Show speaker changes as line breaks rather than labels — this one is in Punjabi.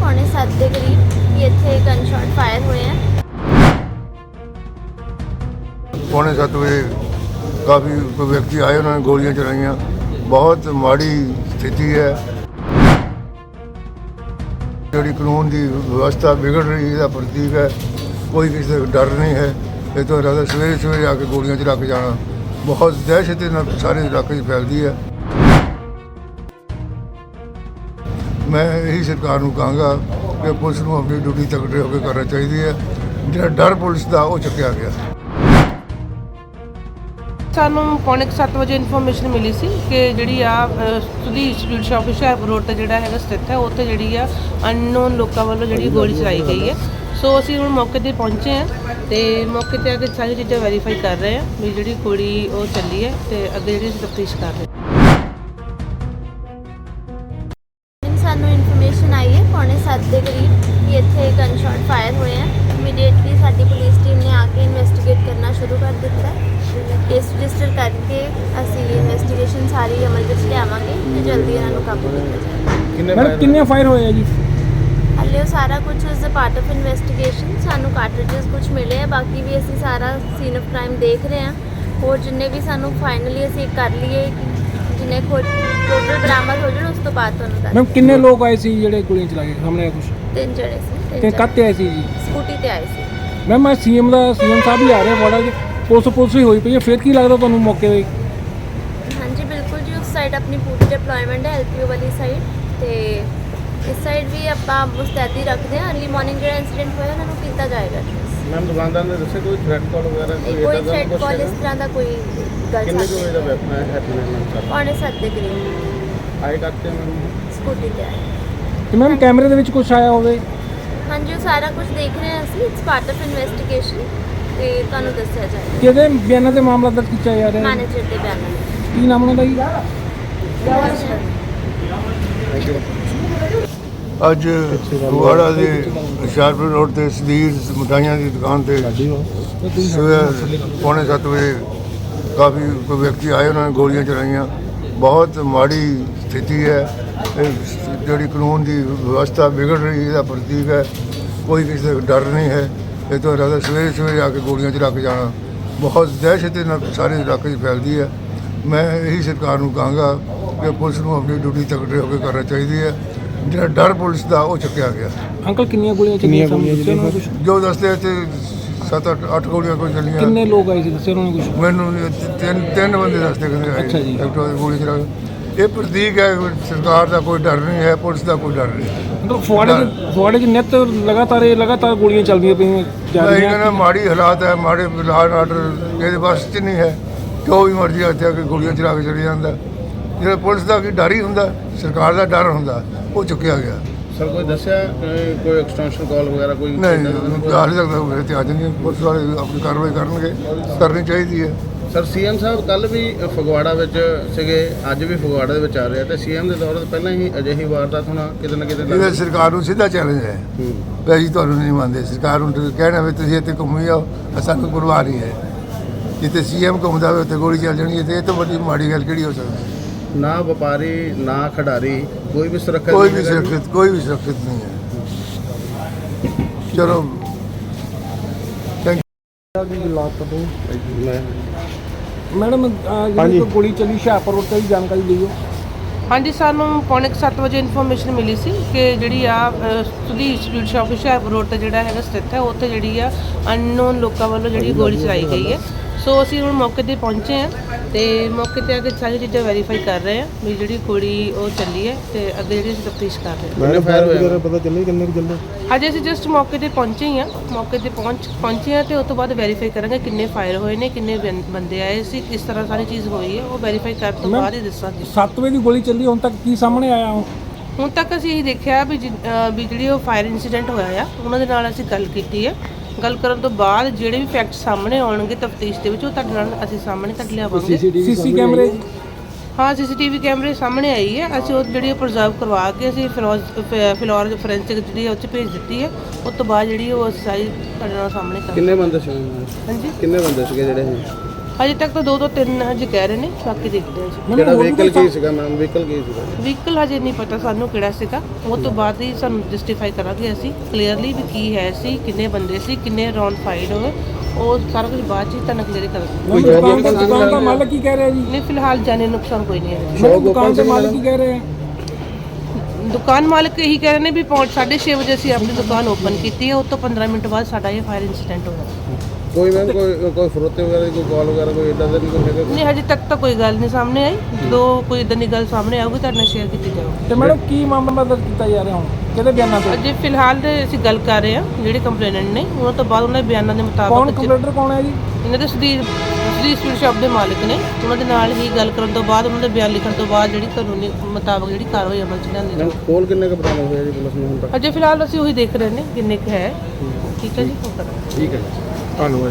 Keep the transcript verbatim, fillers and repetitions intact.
पौने सत्त के करीब कि इत्थे गन शॉट फायर हुए हैं।
पौने सत्त बजे काफ़ी कोई व्यक्ति आए, उन्होंने गोलियां चलाइयाँ। बहुत माड़ी स्थिति है, जी कानून की व्यवस्था बिगड़ रही है, प्रतीक है। कोई किसी का डर नहीं है। ये तो रात सवेरे सवेरे आके गोलियां चला के जाना बहुत दहशत सारे इलाके फैलती है। मैं यही सरकार को कहूँगा कि पुलिस को अपनी ड्यूटी तगड़े होकर करना चाहिए है। जो डर पुलिस का वो चुकया गया।
ਸਾਨੂੰ ਪੌਣੇ ਸੱਤ ਵਜੇ ਇਨਫੋਰਮੇਸ਼ਨ ਮਿਲੀ ਸੀ ਕਿ ਜਿਹੜੀ ਆ Sudhi institute shop Hoshiarpur road ਤੇ ਜਿਹੜਾ ਹੈਗਾ ਸਥਿਤ ਹੈ, ਉੱਥੇ ਜਿਹੜੀ ਆ ਅਨਨੋਨ ਲੋਕਾਂ ਵੱਲੋਂ ਜਿਹੜੀ ਗੋਲੀ ਚਲਾਈ ਗਈ ਹੈ। ਸੋ ਅਸੀਂ ਹੁਣ ਮੌਕੇ ਤੇ ਪਹੁੰਚੇ ਹਾਂ ਤੇ ਮੌਕੇ ਤੇ ਆ ਕੇ ਸਾਰੀ ਚੀਜ਼ਾਂ ਵੈਰੀਫਾਈ ਕਰ ਰਹੇ ਹਾਂ ਵੀ ਜਿਹੜੀ ਗੋਲੀ ਉਹ ਚੱਲੀ ਹੈ ਤੇ ਅੱਗੇ ਜਿਹੜੀ ਅਸੀਂ ਤਫਤੀਸ਼ ਕਰ ਰਹੇ ਹਾਂ।
ਸਾਨੂੰ ਇਨਫੋਰਮੇਸ਼ਨ ਆਈ ਹੈ ਪੌਣੇ ਸੱਤ ਦੇ ਕਰੀਬ ਕਿ ਇੱਥੇ ਗਨ ਸ਼ਾਟ ਫਾਇਰ ਹੋਏ हैं। ਇਮੀਡੀਏਟਲੀ ਸਾਡੀ ਪੁਲਿਸ ਟੀਮ ਨੇ ਆ ਕੇ ਇਨਵੈਸਟੀਗੇਟ ਕਰਨਾ ਸ਼ੁਰੂ ਕਰ ਦਿੱਤਾ ਹੈ। केस रजिस्टर करके ਅਸੀਂ ਇਨਵੈਸਟੀਗੇਸ਼ਨ ਸਾਰੀ ਅਮਲ ਵਿੱਚ ਲਿਆਵਾਂਗੇ ਤੇ ਜਲਦੀ ਇਹਨਾਂ ਨੂੰ ਕਾਬੂ ਕੀਤਾ ਜਾਏਗਾ।
ਮੈਡਮ ਕਿੰਨੇ ਫਾਇਰ ਹੋਏ ਆ ਜੀ?
ਹਾਲੇ ਉਹ ਸਾਰਾ ਕੁਝ is a part of investigation. ਸਾਨੂੰ ਕਾਰਟ੍ਰਿਜਸ ਕੁਝ ਮਿਲੇ ਆ, ਬਾਕੀ ਵੀ ਅਸੀਂ ਸਾਰਾ ਸੀਨ ਆਫ ਕ੍ਰਾਈਮ ਦੇਖ ਰਹੇ ਹਾਂ। ਹੋਰ ਜਿੰਨੇ ਵੀ ਸਾਨੂੰ ਫਾਈਨਲੀ ਅਸੀਂ ਕਰ ਲਈਏ ਜਿੰਨੇ ਖੋਜ ਟੋਟਲ ਬਰਾਮਦ ਹੋ ਜਾਣ ਉਸ ਤੋਂ ਬਾਅਦ ਤੁਹਾਨੂੰ ਦੱਸ।
ਮੈਮ ਕਿੰਨੇ ਲੋਕ ਆਏ ਸੀ ਜਿਹੜੇ ਗੋਲੀਆਂ ਚਲਾ ਕੇ ਸਾਹਮਣੇ ਆਇਆ ਕੁਝ?
ਤਿੰਨ ਜਣੇ ਸੀ।
ਤੇ ਕੱਤੇ ਆਏ ਸੀ ਜੀ?
ਸਕੂਟੀ ਤੇ ਆਏ ਸੀ।
ਮੈਮ ਮੈਂ ਸੀਐਮ ਦਾ ਸੀਐਮ ਸਾਹਿਬ ਵੀ ਆ ਰਹੇ ਬੜਾ ਜੀ, ਪੁਲਿਸ ਪੁਲਿਸ ਹੀ ਹੋਈ ਪਈ ਹੈ, ਫਿਰ ਕੀ ਲੱਗਦਾ ਤੁਹਾਨੂੰ ਮੌਕੇ 'ਤੇ?
ਹਾਂਜੀ ਬਿਲਕੁਲ ਜੀ, ਉਸ ਸਾਈਡ ਆਪਣੀ ਪੂਰੀ ਡਿਪਲੋਇਮੈਂਟ ਹੈ ਐਲਪੀਓ ਵਾਲੀ ਸਾਈਡ, ਤੇ ਇਸ ਸਾਈਡ ਵੀ ਆਪਾਂ ਮੁਸਤੈਦੀ ਰੱਖਦੇ ਹਾਂ। ਅਰਲੀ ਮਾਰਨਿੰਗ ਜਿਹੜਾ ਇਨਸੀਡੈਂਟ ਹੋਇਆ ਉਹਨਾਂ ਨੂੰ ਕੀਤਾ ਜਾਏਗਾ।
ਮੈਮ ਦੁਕਾਨਦਾਰ ਨੇ ਦੱਸਿਆ ਕੋਈ ਥ੍ਰੈਟ ਕਾਲ ਵਗੈਰਾ
ਕੋਈ ਥ੍ਰੈਟ ਕਾਲ ਇਸ ਤਰ੍ਹਾਂ ਦਾ ਕੋਈ ਗੱਲ
ਕਿੰਨੇ
ਸਾਹਮਣੇ
ਵਜੇ ਦਾ ਵੈਪਨ ਹੈ ਹੈਪਨ
ਪੌਣੇ ਸੱਤ ਦੇ ਕਰੀਬ
ਆਏ ਕਰਤੇ ਮੈਮ
ਸਕੂਟੀ ਤੇ ਆਏ।
ਤੇ ਮੈਮ ਕੈਮਰੇ ਦੇ ਵਿੱਚ ਕੁਝ ਆਇਆ ਹੋਵੇ?
ਹਾਂਜੀ ਉਹ ਸਾਰਾ ਕੁਝ ਦੇਖ ਰਹੇ ਹਾਂ ਅਸੀਂ। ਇਟਸ ਪਾਰਟ ਆਫ ਇਨਵੈਸਟੀਗੇਸ਼ਨ ਤੇ ਤੁਹਾਨੂੰ ਦੱਸਿਆ ਜਾਏਗਾ।
ਕਿਹਦੇ ਬਿਆਨਾਂ ਤੇ ਮਾਮਲਾ ਦਰਜ ਕੀਤਾ ਜਾ ਰਿਹਾ ਹੈ?
ਮੈਨੇਜਰ ਦੇ ਬਿਆਨਾਂ ਵਿੱਚ।
ਕੀ ਨਾਮ ਉਹਨਾਂ ਦਾ ਜੀ?
ਅੱਜ ਫਗਵਾੜਾ ਦੇ ਹੁਸ਼ਿਆਰਪੁਰ ਰੋਡ ਤੇ ਸਦੀਰ ਮਿਠਾਈਆਂ ਦੀ ਦੁਕਾਨ ਤੇ ਸਵੇਰੇ ਪੌਣੇ ਸੱਤ ਵਜੇ ਕਾਫੀ ਕੋਈ ਵਿਅਕਤੀ ਆਏ, ਉਹਨਾਂ ਨੇ ਗੋਲੀਆਂ ਚਲਾਈਆਂ। ਬਹੁਤ ਮਾੜੀ ਸਥਿਤੀ ਹੈ। ਜਿਹੜੀ ਕਾਨੂੰਨ ਦੀ ਵਿਵਸਥਾ ਵਿਗੜ ਰਹੀ ਹੈ, ਪ੍ਰਤੀਕ ਹੈ। ਕੋਈ ਕਿਸੇ ਦਾ ਡਰ ਨਹੀਂ ਹੈ। ਇਹ तो रात सवेरे सवेरे आके गोलियां चला के जाना बहुत दहशत सारे इलाके फैलती है। मैं यही सरकार को कहूँगा कि पुलिस को अपनी ड्यूटी तगड़े होकर करना चाहिए है। जो डर पुलिस का वो चुकया गया।
अंकल कितनी गोलियां चली?
जो दसते थे सत्त अठ अठ गोलियां कोई चलियां।
कितने लोग आए थे दस्से उन्होंने कुछ?
मैनू तीन तीन बंदे दसते कहते
अच्छा जी।
गोली चला ये प्रतीक है सरकार का कोई डर नहीं है, पुलिस का कोई डर नहीं।
मतलब फुआड़े फुआड़े की नित लगातार ये लगातार गोलियां चल रही
हैं। माड़ी हालात है, माड़े लॉ एंड आर्डर ये बस च नहीं है। जो भी मर्जी इतने आके गोलियां चला के चले जाता। जो पुलिस का डर ही होंगे, सरकार का डर होंगे, वो चुकया गया।
सर कोई दसिया कोई एक्सटेंशन कॉल वगैरह कोई
नहीं हाले तक मेरे ध्यान नहीं। पुलिस वाले अपनी कार्रवाई करनगे, करनी चाहिए है।
ਸਰ ਸੀਐਮ ਸਾਹਿਬ ਕੱਲ ਵੀ ਫਗਵਾੜਾ ਵਿੱਚ ਸੀਗੇ, ਅੱਜ ਵੀ ਫਗਵਾੜਾ ਦੇ ਵਿੱਚ ਆ ਰਹੇ ਆ ਤੇ ਸੀਐਮ ਦੇ ਦੌਰ ਤੋਂ ਪਹਿਲਾਂ ਹੀ ਅਜਿਹੀ ਵਾਰਦਾਤ ਹੋਣਾ ਕਿਤੇ ਨਾ ਕਿਤੇ
ਇਹ ਸਰਕਾਰ ਨੂੰ ਸਿੱਧਾ ਚੈਲੰਜ ਹੈ ਵੀ ਅਸੀਂ ਤੁਹਾਨੂੰ ਨਹੀਂ ਮੰਨਦੇ। ਸਰਕਾਰ ਨੂੰ ਕਹਿਣਾ ਵੀ ਤੁਸੀਂ ਇੱਥੇ ਘੁੰਮੀ ਆਓ, ਸਾਨੂੰ ਪਰਵਾਹ ਨਹੀਂ ਹੈ। ਜਿੱਥੇ ਸੀਐਮ ਘੁੰਮਦਾ ਹੋਵੇ ਉੱਥੇ ਗੋਲੀ ਚੱਲ ਜਾਣੀ ਹੈ ਤੇ ਇਹ ਤੋਂ ਵੱਡੀ ਮਾੜੀ ਗੱਲ ਕਿਹੜੀ ਹੋ ਸਕਦੀ?
ਨਾ ਵਪਾਰੀ ਨਾ ਖਿਡਾਰੀ ਕੋਈ ਵੀ ਸੁਰੱਖਿਅਤ
ਕੋਈ ਵੀ ਸੁਰੱਖਿਅਤ ਕੋਈ ਵੀ ਸੁਰੱਖਿਅਤ ਨਹੀਂ ਹੈ। ਚਲੋ
मैडम ਜਿਹੜੀ ਗੋਲੀ ਚੱਲੀ ਹੁਸ਼ਿਆਰਪੁਰ ਰੋਡ ਤੇ ਜਾਣਕਾਰੀ ਦਿਓ।
ਹਾਂਜੀ ਸਾਨੂੰ ਪੌਣੇ ਸੱਤ ਵਜੇ ਇਨਫੋਰਮੇਸ਼ਨ ਮਿਲੀ ਸੀ ਕਿ ਜਿਹੜੀ ਆ Sudhi institute shop Hoshiarpur road ਤੇ ਜਿਹੜਾ ਹੈਗਾ ਸਥਿਤ ਹੈ, ਉੱਥੇ ਜਿਹੜੀ ਆ ਅਨਨੋਨ ਲੋਕਾਂ ਵੱਲੋਂ ਜਿਹੜੀ ਗੋਲੀ ਚਲਾਈ ਗਈ ਹੈ। ਸੋ ਅਸੀਂ ਹੁਣ ਮੌਕੇ ਤੇ ਪਹੁੰਚੇ ਹਾਂ ਤੇ ਮੌਕੇ ਤੇ ਆ ਕੇ ਸਾਰੀ ਚੀਜ਼ਾਂ ਵੈਰੀਫਾਈ ਕਰ ਰਹੇ ਹਾਂ ਵੀ ਜਿਹੜੀ ਗੋਲੀ ਉਹ ਚੱਲੀ ਹੈ ਤੇ ਅੱਗੇ ਜਿਹੜੀ ਅਸੀਂ ਤਫਤੀਸ਼ ਕਰ ਰਹੇ ਹਾਂ।
ਕਿੰਨੇ ਫਾਇਰ ਹੋਏ
ਪਤਾ ਚੱਲੇ ਕਿੰਨੇ ਕੁ ਚੱਲੇ?
ਅਜੇ ਅਸੀਂ ਜਸਟ ਮੌਕੇ ਤੇ ਪਹੁੰਚੇ ਹੀ ਹਾਂ। ਮੌਕੇ ਤੇ ਪਹੁੰਚ ਪਹੁੰਚੇ ਹਾਂ ਤੇ ਉਸ ਤੋਂ ਬਾਅਦ ਵੈਰੀਫਾਈ ਕਰਾਂਗੇ ਕਿੰਨੇ ਫਾਇਰ ਹੋਏ ਨੇ, ਕਿੰਨੇ ਬੰ- ਬੰਦੇ ਆਏ ਸੀ, ਕਿਸ ਤਰ੍ਹਾਂ ਸਾਰੀ ਚੀਜ਼ ਹੋਈ ਹੈ, ਉਹ ਵੈਰੀਫਾਈ ਕਰਨ ਤੋਂ ਬਾਅਦ ਹੀ ਦੱਸਾਂਗੇ।
ਸੱਤ ਵਜੇ ਦੀ ਗੋਲੀ ਚੱਲੀ, ਹੁਣ ਤੱਕ ਕੀ ਸਾਹਮਣੇ ਆਇਆ?
ਹੁਣ ਤੱਕ ਅਸੀਂ ਇਹ ਦੇਖਿਆ ਵੀ ਜਿ- ਅਹ ਵੀ ਜਿਹੜੀ ਉਹ ਫਾਇਰ ਇਨਸੀਡੈਂਟ ਹੋਇਆ ਆ ਉਹਨਾਂ ਦੇ ਨਾਲ ਅਸੀਂ ਗੱਲ ਕੀਤੀ ਹੈ। ਗੱਲ ਕਰਨ ਤੋਂ ਬਾਅਦ ਜਿਹੜੇ ਵੀ ਫੈਕਟ ਸਾਹਮਣੇ ਆਉਣਗੇ ਤਫਤੀਸ਼ ਦੇ ਵਿੱਚ ਉਹ ਤੁਹਾਡੇ ਨਾਲ ਅਸੀਂ ਸਾਹਮਣੇ ਤੱਕ ਲਿਆਵਾਂਗੇ।
ਸੀਸੀ ਕੈਮਰੇ?
ਹਾਂ ਸੀਸੀਟੀਵੀ ਕੈਮਰੇ ਸਾਹਮਣੇ ਆਈ ਹੈ। ਅਸੀਂ ਉਹ ਜਿਹੜੀ ਪ੍ਰੀਜ਼ਰਵ ਕਰਵਾ ਕੇ ਅਸੀਂ ਫਿਲੋਜ ਫਿਲੋਰ ਫੋਰੈਂਸਿਕ ਜਿਹੜੀ ਉਹ 'ਚ ਭੇਜ ਦਿੱਤੀ ਹੈ। ਉਸ ਤੋਂ ਬਾਅਦ ਜਿਹੜੀ ਉਹ ਅਸੀਂ ਸਾਰੀ ਤੁਹਾਡੇ ਨਾਲ ਸਾਹਮਣੇ ਕਰ
ਕਿੰਨੇ ਬੰਦੇ ਸੀ?
ਹਾਂਜੀ
ਕਿੰਨੇ ਬੰਦੇ ਸੀਗੇ ਜਿਹੜੇ
ਅਜੇ ਤੱਕ ਤਾਂ ਦੋ ਤੋਂ ਤਿੰਨ ਹਜੇ ਕਹਿ ਰਹੇ ਨੇ, ਬਾਕੀ ਦੇਖਦੇ ਹਾਂ ਜੀ।
ਕਿਹੜਾ ਵਹੀਕਲ ਕੀ ਸੀਗਾ ਮੈਮ, ਵਹੀਕਲ ਕੀ ਸੀਗਾ?
ਵਹੀਕਲ ਹਜੇ ਨਹੀਂ ਪਤਾ ਸਾਨੂੰ ਕਿਹੜਾ ਸੀਗਾ, ਉਹ ਤੋਂ ਬਾਅਦ ਹੀ ਸਾਨੂੰ ਜਸਟੀਫਾਈ ਕਰਾਂਗੇ ਅਸੀਂ ਕਲੀਅਰਲੀ ਵੀ ਕੀ ਹੈ ਸੀ, ਕਿੰਨੇ ਬੰਦੇ ਸੀ, ਕਿੰਨੇ ਰਾਉਂਡ ਫਾਈਡ ਹੋਏ, ਉਹ ਸਾਰਾ ਕੁਝ ਬਾਅਦ 'ਚ ਹੀ ਤੁਹਾਨੂੰ ਕਲੀਅਰ ਕਰਾਂਗੇ।
ਦੁਕਾਨ ਦਾ ਦੁਕਾਨ ਦਾ ਮਾਲਕ ਕੀ ਕਹਿ ਰਿਹਾ ਜੀ?
ਨਹੀਂ ਫਿਲਹਾਲ ਜਾਨੀ ਨੁਕਸਾਨ ਕੋਈ ਨਹੀਂ ਹੈ।
ਮੈਡਮ ਦੁਕਾਨ ਦੇ ਮਾਲਕ ਕੀ ਕਹਿ ਰਹੇ ਆ?
ਦੁਕਾਨ ਮਾਲਕ ਇਹੀ ਕਹਿ ਰਹੇ ਨੇ ਵੀ ਪੌਂਚ ਸਾਢੇ ਛੇ ਵਜੇ ਅਸੀਂ ਆਪਣੀ ਦੁਕਾਨ ਓਪਨ ਕੀਤੀ ਹੈ, ਉਸ ਤੋਂ ਪੰਦਰਾਂ ਮਿੰਟ ਬਾਅਦ ਸਾਡਾ ਇਹ ਫਾਇਰ ਇਨਸੀਡੈਂਟ ਹੋਇਆ।
ਕੋਈ ਮੈਮ ਕੋਈ ਕੋਈ ਫਰੋਤੇ ਵਗੈਰਾ ਦੀ ਕੋਈ ਕਾਲ ਵਗੈਰਾ ਕੋਈ ਇਦਾਂ ਦਾ ਨਹੀਂ ਕੋਈ ਹੈਗਾ?
ਨਹੀਂ ਹਜੇ ਤੱਕ ਤਾਂ ਕੋਈ ਗੱਲ ਨਹੀਂ ਸਾਹਮਣੇ ਆਈ, ਜਦੋਂ ਕੋਈ ਇਦਾਂ ਦੀ ਗੱਲ ਸਾਹਮਣੇ ਆਊਗੀ ਤੁਹਾਡੇ ਨਾਲ ਸ਼ੇਅਰ ਕੀਤੀ ਜਾਊਗੀ।
ਤੇ ਮੈਡਮ ਕੀ ਮਾਮਲਾ ਦਰਜ ਕੀਤਾ ਜਾ ਰਿਹਾ ਹੁਣ, ਕਿਹਦੇ ਬਿਆਨਾਂ ਤੇ?
ਅਜੇ ਫਿਲਹਾਲ ਤੇ ਅਸੀਂ ਗੱਲ ਕਰ ਰਹੇ ਹਾਂ ਜਿਹੜੇ ਕੰਪਲੇਨੈਂਟ ਨੇ, ਉਹਨਾਂ ਤੋਂ ਬਾਅਦ ਉਹਨਾਂ ਦੇ ਬਿਆਨਾਂ ਦੇ
ਕੌਣ
ਮੁਤਾਬਕ
ਕੰਪਲੇਂਟਰ ਕੌਣ ਹੈ ਜੀ?
ਇਹਨਾਂ ਦੇ ਸੁਦੀਰ ਸੁਦੀਰ ਸਵੀਟ ਸ਼ਾਪ ਦੇ ਮਾਲਕ ਨੇ, ਉਹਨਾਂ ਦੇ ਨਾਲ ਹੀ ਗੱਲ ਕਰਨ ਤੋਂ ਬਾਅਦ ਉਹਨਾਂ ਦੇ ਬਿਆਨ ਲਿਖਣ ਤੋਂ ਬਾਅਦ ਜਿਹੜੀ ਕਾਨੂੰਨੀ ਮੁਤਾਬਕ ਜਿਹੜੀ ਕਾਰਵਾਈ ਅਮਲ 'ਚ ਲਿਆਂਦੀ
ਮੈਮ
ਜਾਊਗੀ।
ਕੋਲ ਕਿੰਨੇ ਕੁ ਬਰਾਮਦ ਹੋਇਆ ਜੀ ਪੁਲਿਸ ਨੂੰ ਹੁਣ ਤੱਕ?
ਅਜੇ ਫਿਲਹਾਲ ਅਸੀਂ ਉਹੀ ਦੇਖ ਰਹੇ ਨੇ ਕਿੰਨੇ ਕੁ ਹੈ। ਠੀਕ ਹੈ ਜੀ, ਉਹ ਕਰਾਂਗੇ।
ਠੀਕ ਹੈ ਜੀ।
ਧੰਨਵਾਦ।